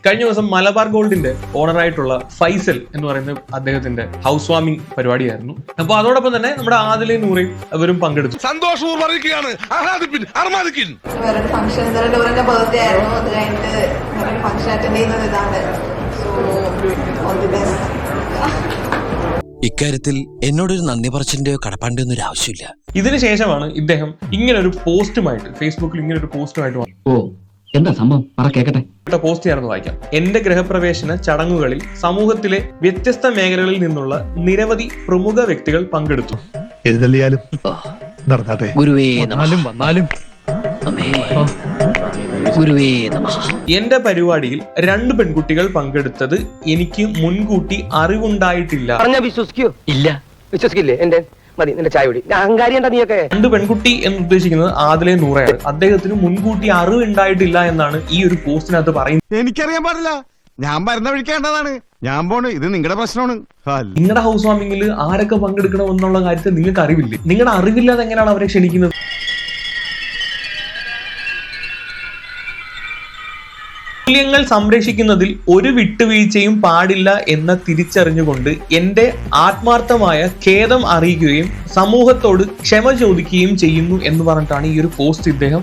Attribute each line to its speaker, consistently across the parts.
Speaker 1: കഴിഞ്ഞ ദിവസം മലബാർ ഗോൾഡിന്റെ ഓണറായിട്ടുള്ള ഫൈസൽ എന്ന് പറയുന്ന അദ്ദേഹത്തിന്റെ ഹൗസ് വാമിംഗ് പരിപാടിയായിരുന്നു. അപ്പൊ അതോടൊപ്പം തന്നെ നമ്മുടെ ആദിലയും നൂറയും അവരും പങ്കെടുത്തു.
Speaker 2: സന്തോഷവും
Speaker 3: ഇക്കാര്യത്തിൽ എന്നോടൊരു നന്ദി പറച്ചിന്റെയോ കടപ്പാണ്ടിയോ ഒന്നും ആവശ്യമില്ല.
Speaker 1: ഇതിനുശേഷമാണ് ഇദ്ദേഹം ഇങ്ങനെ ഒരു പോസ്റ്റുമായിട്ട് ഫേസ്ബുക്കിൽ ഇങ്ങനെ ഒരു പോസ്റ്റുമായിട്ട്
Speaker 4: എന്താ സംഭവം കേക്കട്ടെ.
Speaker 1: പോസ്റ്റ് ചെയ്യാമെന്ന് വായിക്കാം. എന്റെ ഗൃഹപ്രവേശന ചടങ്ങുകളിൽ സമൂഹത്തിലെ വ്യത്യസ്ത മേഖലകളിൽ നിന്നുള്ള നിരവധി പ്രമുഖ വ്യക്തികൾ പങ്കെടുത്തു. എന്റെ പരിപാടിയിൽ 2 പെൺകുട്ടികൾ പങ്കെടുത്തത് എനിക്ക് മുൻകൂട്ടി അറിവുണ്ടായിട്ടില്ല. രണ്ട് പെൺകുട്ടി എന്ന് ഉദ്ദേശിക്കുന്നത് ആദിലെ നൂറയാണ്. അദ്ദേഹത്തിന് മുൻകൂട്ടി അറിവുണ്ടായിട്ടില്ല എന്നാണ് ഈ ഒരു പോസ്റ്റിനകത്ത് പറയുന്നത്.
Speaker 2: എനിക്കറിയാൻ പാടില്ല, ഞാൻ വരുന്ന വിളിക്കേണ്ടതാണ്, ഞാൻ പോണ്, ഇത് നിങ്ങളുടെ പ്രശ്നമാണ്.
Speaker 1: നിങ്ങളുടെ ഹൗസ് വാമിംഗിൽ ആരൊക്കെ പങ്കെടുക്കണം എന്നുള്ള കാര്യത്തിൽ നിങ്ങൾക്ക് അറിവില്ലേ? നിങ്ങളുടെ അറിവില്ലാതെ എങ്ങനെയാണ് അവരെ ക്ഷണിക്കുന്നത്? മൂല്യങ്ങൾ സംരക്ഷിക്കുന്നതിൽ ഒരു വിട്ടുവീഴ്ചയും പാടില്ല എന്ന് തിരിച്ചറിഞ്ഞുകൊണ്ട് എന്റെ ആത്മാർത്ഥമായ ഖേദം അറിയിക്കുകയും സമൂഹത്തോട് ക്ഷമ ചോദിക്കുകയും ചെയ്യുന്നു എന്ന് പറഞ്ഞിട്ടാണ് ഈ ഒരു പോസ്റ്റ് ഇദ്ദേഹം.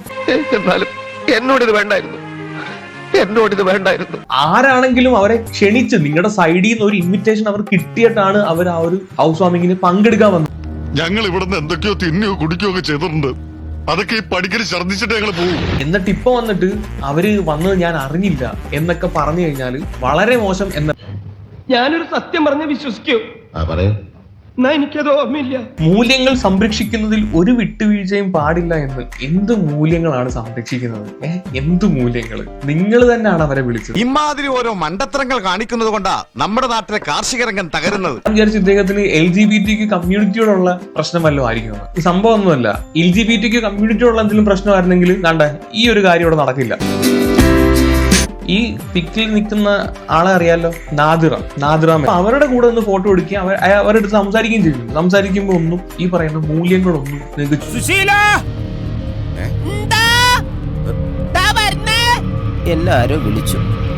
Speaker 5: എന്നോടിത് വേണ്ടായിരുന്നു.
Speaker 1: ആരാണെങ്കിലും അവരെ ക്ഷണിച്ച് നിങ്ങളുടെ സൈഡിൽ നിന്ന് ഒരു ഇൻവിറ്റേഷൻ അവർ കിട്ടിയിട്ടാണ് അവർ ആ ഒരു ഹൗസ് വാമിങ്ങിന് പങ്കെടുക്കാൻ വന്നത്.
Speaker 2: ഞങ്ങൾ ഇവിടുന്ന് എന്തൊക്കെയോ തിന്നുകയോ കുടിക്കുകയോ ഒക്കെ ചെയ്തിട്ടുണ്ട്. അതൊക്കെ ഈ പടിക്കൽ ഛർദ്ദിച്ചിട്ട് ഞങ്ങൾ പോകും.
Speaker 1: എന്നിട്ട് ഇപ്പൊ വന്നിട്ട് അവര് വന്നത് ഞാൻ അറിഞ്ഞില്ല എന്നൊക്കെ പറഞ്ഞു കഴിഞ്ഞാൽ വളരെ മോശം.
Speaker 5: ഞാനൊരു സത്യം പറഞ്ഞ് വിശ്വസിക്കൂ? എനിക്കത് ഓർമ്മയില്ല.
Speaker 1: മൂല്യങ്ങൾ സംരക്ഷിക്കുന്നതിൽ ഒരു വിട്ടുവീഴ്ചയും പാടില്ല എന്ന്. എന്ത് മൂല്യങ്ങളാണ് സംരക്ഷിക്കുന്നത്? എന്ത് മൂല്യങ്ങൾ? നിങ്ങൾ തന്നെയാണ് അവരെ വിളിച്ചത്.
Speaker 2: ഇമാതിരി ഓരോ മണ്ടത്തരങ്ങൾ കാണിക്കുന്നത് കൊണ്ടാ നമ്മുടെ നാട്ടിലെ കാർഷിക രംഗം തകരുന്നത്.
Speaker 1: വിചാരിച്ചു ഇദ്ദേഹത്തിന് LGBT കമ്മ്യൂണിറ്റിയോടുള്ള പ്രശ്നം വല്ലതും ആയിരിക്കും. ഈ സംഭവം ഒന്നുമല്ല. LGBT കമ്മ്യൂണിറ്റിയോടുള്ള എന്തെങ്കിലും പ്രശ്നമായിരുന്നെങ്കിൽ വേണ്ട ഈ ഒരു കാര്യം ഇവിടെ നടക്കില്ല. ഈ പിക്കിൽ നിൽക്കുന്ന ആളെ അറിയാലോ, നാദിറ. അവരുടെ കൂടെ ഒന്ന് ഫോട്ടോ എടുക്കുക, അവരുടെ അടുത്ത് സംസാരിക്കുകയും ചെയ്യും. സംസാരിക്കുമ്പോ ഒന്നും ഈ പറയുന്ന മൂല്യങ്ങളൊന്നും നിങ്ങൾക്ക്
Speaker 3: എല്ലാരും വിളിച്ചു.